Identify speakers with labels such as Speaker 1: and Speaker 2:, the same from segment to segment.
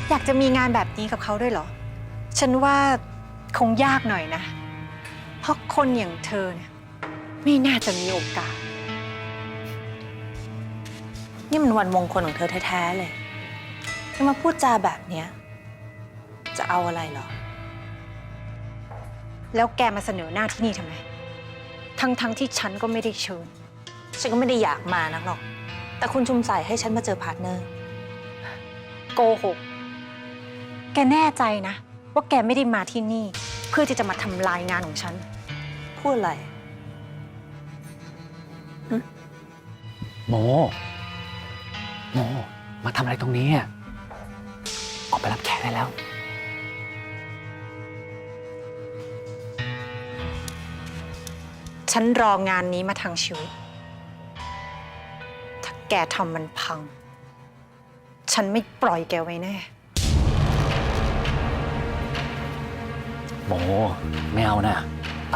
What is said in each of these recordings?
Speaker 1: อยากจะมีงานแบบนี้กับเขาด้วยเหรอฉันว่าคงยากหน่อยนะเพราะคนอย่างเธอเนี่ยไม่น่าจะมีโอกาส
Speaker 2: นี่มันวันมงคลของเธอแท้ๆเลยจะมาพูดจาแบบเนี้ยจะเอาอะไรเหรอ
Speaker 1: แล้วแกมาเสนอหน้าที่นี่ทำไมทั้งที่ฉันก็ไม่ได้เชิญ
Speaker 2: ฉันก็ไม่ได้อยากมานักหรอกแต่คุณชุมใส่ให้ฉันมาเจอพาร์ทเนอร์
Speaker 1: โกหกแกแน่ใจนะว่าแกไม่ได้มาที่นี่เพื่อที่จะมาทำลายงานของฉัน
Speaker 2: พูดอะไร
Speaker 3: โมมาทำอะไรตรงนี้อ่ะออกไปรับแขกได้แล้ว
Speaker 1: ฉันรองานนี้มาทั้งชีวิตถ้าแกทำมันพังฉันไม่ปล่อยแกไว้แน่
Speaker 3: โมไม่เอานะไป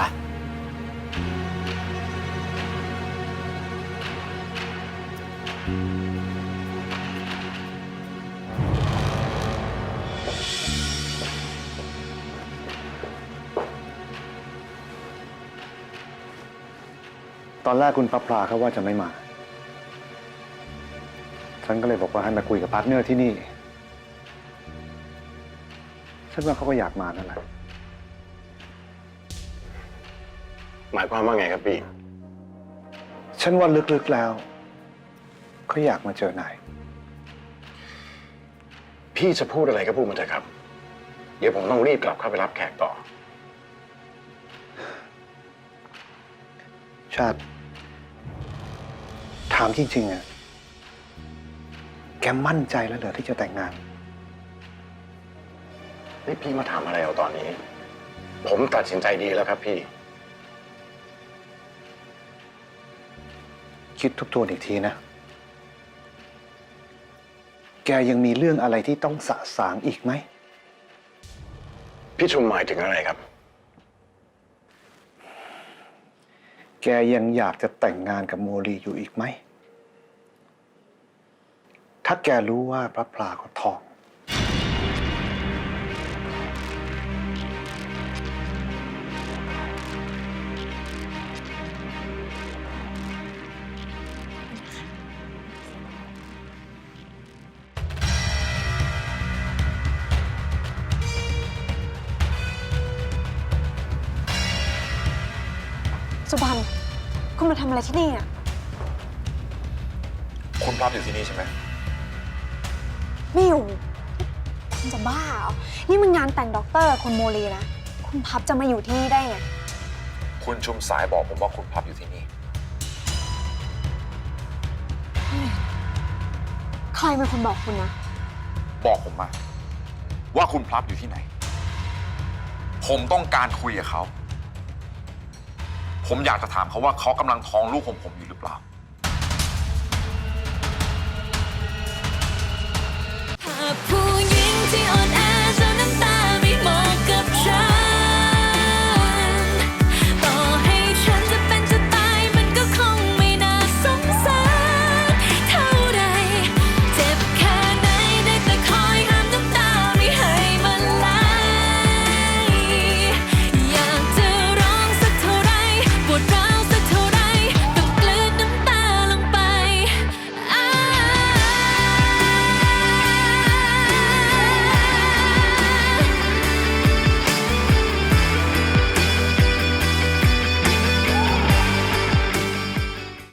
Speaker 4: ตอนแรกคุณพระพลาเขาว่าจะไม่มา ฉันก็เลยบอกว่าให้มาคุยกับพาร์ทเนอร์ที่นี่ ฉันว่าเขาก็อยากมานั่นแหละ
Speaker 5: หมายความว่าไงครับพี่
Speaker 4: ฉันว่าลึกๆแล้วเขาอยากมาเจอนาย
Speaker 5: พี่จะพูดอะไรก็พูดมาเถอะครับ เดี๋ยวผมต้องรีบกลับเข้าไปรับแขกต่อ
Speaker 4: ชาติ ถามจริงๆอะแกมั่นใจแล้วเหรอที่จะแต่งงาน
Speaker 5: นี่พี่มาถามอะไรเอาตอนนี้ ผมตัดสินใจดีแล้วครับพี่
Speaker 4: คิดทบทวนอีกทีนะ แกยังมีเรื่องอะไรที่ต้องสะสางอีกไหม
Speaker 5: พี่ชุมหมายถึงอะไรครับ
Speaker 4: แกยังอยากจะแต่งงานกับโมลีอยู่อีกไหม ถ้าแกรู้ว่าพระพลาเขาท้อง
Speaker 6: สุพรรณคุณมาทำอะไรที่นี่อ่ะ
Speaker 5: คุณพร้อมอยู่ที่นี่ใช่ไหม
Speaker 6: ไม่อยู่คุณจะบ้าเหรอ นี่มันงานแต่งด็อกเตอร์คุณโมลีนะ คุณพับจะมาอยู่ที่นี่ได้ไง
Speaker 5: คุณชุมสายบอกผมว่าคุณพับอยู่ที่นี่
Speaker 6: ใครเป็นคนบอกคุณนะ
Speaker 7: บอกผมมาว่าคุณพลับอยู่ที่ไหน ผมต้องการคุยกับเขา ผมอยากจะถามเขาว่าเขากำลังท้องลูกของผมอยู่หรือเปล่า